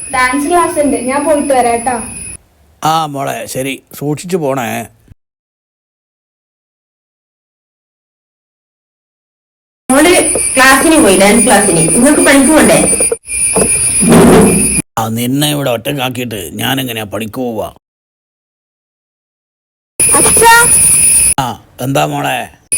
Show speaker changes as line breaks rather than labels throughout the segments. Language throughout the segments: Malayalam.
ഡാൻസ് ക്ലാസ് ഉണ്ട്, ഞാൻ പോയിട്ട് വരാട്ടോ.
ആ മോളെ ശരി, സൂക്ഷിച്ചു പോണേ.
മോള് ക്ലാസ്സിന് പോയി, ഡാൻസ് ക്ലാസ്സിന്. നിങ്ങൾക്ക് പണിക്ക് പോണ്ടേ?
ആ നിന്നെ ഇവിടെ ഒറ്റക്കാക്കിയിട്ട് ഞാൻ എങ്ങനെയാ പണിക്ക് പോവാ? ആ എന്താ മോളെ?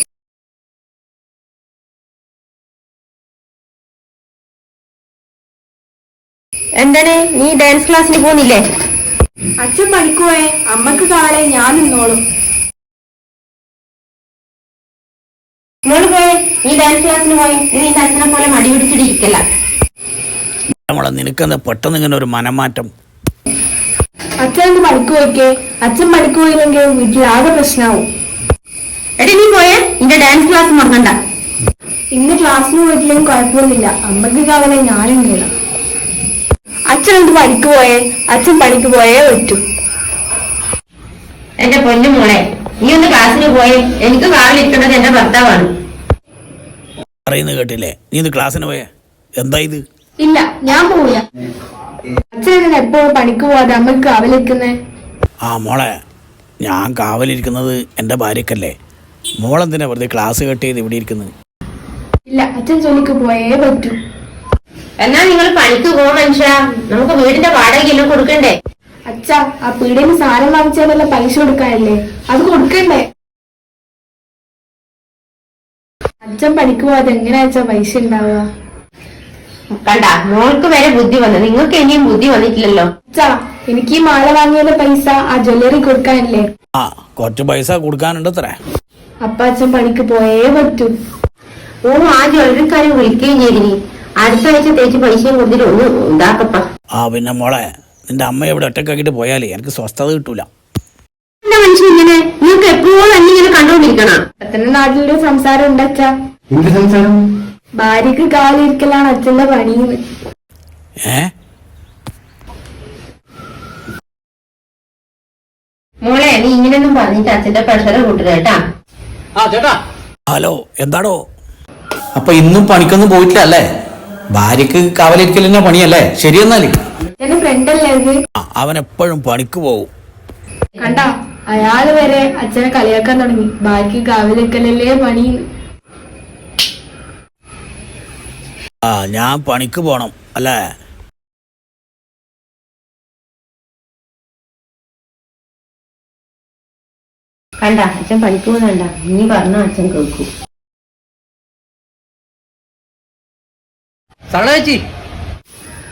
എന്താണ് നീ ഡാൻസ് ക്ലാസ്സിന് പോകുന്നില്ലേ?
അച്ഛൻ പണിക്ക് പോയേ, അമ്മക്ക് കാളെ ഞാൻ നിന്നോളും.
മോള് പോയേ, നീ ഡാൻസ് ക്ലാസ്സിന് പോയി. നീ നിന്റെ അച്ഛനെ പോലെ മടി പിടിച്ചിട്ടിരിക്കല്ല.
മോളെ നിനക്കെന്താ പെട്ടെന്ന് ഇങ്ങനെ ഒരു മനംമാറ്റം?
അച്ഛൻ എന്ത് പണിക്ക് പോയിക്കേ? അച്ഛൻ പണിക്ക് പോയില്ലെങ്കിൽ വീട്ടിൽ ആകെ പ്രശ്നമാവും.
എടി നീ പോയേ, നിന്റെ ഡാൻസ് ക്ലാസ് മറക്കണ്ട.
ഇന്ന് ക്ലാസ്സിന് പോയിട്ടില്ലെങ്കിൽ കുഴപ്പമൊന്നുമില്ല, അമ്മക്ക് കാളെ ഞാനുണ്ട്. അച്ഛൻ എന്ത് പണിക്ക് പോയേ? അച്ഛൻ പണിക്ക് പോയേ പറ്റൂ.
എന്റെ പൊന്നു മോളെ, നീ ഒന്ന് ക്ലാസ്സിന് പോയേ. എനിക്ക് കാവിലിരിക്കേണ്ടത് എന്റെ ഭർത്താവാണ്.
പറയുന്നത് കേട്ടില്ലേ? നീ ഇത് ക്ലാസ്സിന് പോയേ? എന്താ ഇത്?
ഇല്ല, ഞാൻ പോവില്ല. അച്ഛൻ എപ്പോഴും പണിക്ക് പോവാതെ അമ്മക്ക് കാവലിരിക്കുന്നേ?
ആ മോളെ, ഞാൻ കാവലിരിക്കുന്നത് എൻ്റെ ഭാര്യക്കല്ലേ. മോളെന്തിനാ വെറുതെ ക്ലാസ് കട്ട് ചെയ്ത് ഇവിടെ ഇരിക്കുന്നത്?
ഇല്ല, അച്ഛൻ ജോലിക്ക് പോയേ പറ്റൂ.
എന്നാ നിങ്ങൾ പണിക്ക് പോകും മനുഷ്യ. നമുക്ക് വീടിന്റെ വാടകയെല്ലാം കൊടുക്കണ്ടേ?
അച്ഛാ, ആ പീടികയിൽ സാധനം വാങ്ങിച്ചാലുള്ള പൈസ കൊടുക്കാനല്ലേ, അത് കൊടുക്കണ്ടേ? അച്ഛൻ പണിക്ക് പോവാതെ എങ്ങനെയാ അച്ഛാ പൈസ ഉണ്ടാവുക?
കണ്ട, മോൾക്ക് വരെ ബുദ്ധി വന്നു, നിങ്ങൾക്ക് ഇനിയും ബുദ്ധി വന്നിട്ടില്ലല്ലോ.
അച്ഛാ, എനിക്ക് ഈ മാല വാങ്ങിയതിന്റെ പൈസ ആ ജ്വല്ലറി കൊടുക്കാനല്ലേ?
ആ കുറച്ച് പൈസ കൊടുക്കാനുണ്ട് അത്രേ.
അപ്പ അച്ഛൻ പണിക്ക് പോയേ പറ്റൂ.
ഓ, ആ ജ്വല്ലറിക്കാരെ വിളിക്കുകയും ചെയ്തിനി. അടുത്ത ആഴ്ച തേച്ച് പൈസയും കൊടുത്തിട്ട് ഒന്ന് ഇതാക്കപ്പ.
ആ പിന്നെ മോളെ, നിന്റെ അമ്മ ഇവിടെ ഒറ്റക്കാക്കിട്ട് പോയാലേ എനിക്ക് സ്വസ്ഥത കിട്ടൂല.
എന്താ മനുഷ്യൻ ഇങ്ങനെ? നിങ്ങൾക്ക് എപ്പോഴും എന്നിങ്ങനെ കണ്ടോണ്ടിരിക്കണം.
അച്ഛന്റെ നാട്ടിലൊരു സംസാരം ഉണ്ട് അച്ഛാ. ഭാര്യക്ക് കാലിരിക്കലാണ് അച്ഛന്റെ പണിന്ന്.
മോളെ, നീ ഇങ്ങനെയൊന്നും പറഞ്ഞിട്ട് അച്ഛന്റെ പ്രഷർ കൂട്ടുക കേട്ടാ.
ഹലോ, എന്താടോ?
അപ്പൊ ഇന്നും പണിക്കൊന്നും പോയിട്ടില്ല അല്ലേ? ഭാര്യക്ക് കാവലിരിക്കലിന്റെ പണിയല്ലേ? ശരിയെന്നാല്
എന്റെ ഫ്രണ്ടല്ലേ അത്?
അവൻ എപ്പോഴും പണിക്ക് പോവും.
കണ്ട, അയാള് വരെ അച്ഛനെ കളിയാക്കാൻ തുടങ്ങി. ഭാര്യക്ക് കാവലിരിക്കലല്ലേ പണിന്ന്.
ആ ഞാൻ പണിക്ക് പോണം അല്ലേ?
കണ്ട, അച്ഛൻ പണിക്ക് പോകുന്നുണ്ട. നീ പറഞ്ഞ അച്ഛൻ കേൾക്കൂ.
ചേച്ചി.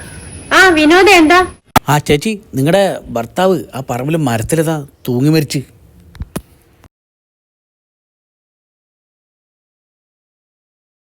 ആ വിനോദ, എന്താ?
ആ ചേച്ചി, നിങ്ങളുടെ ഭർത്താവ് ആ പറമ്പിൽ മരത്തിലേതാ തൂങ്ങി മരിച്ച്.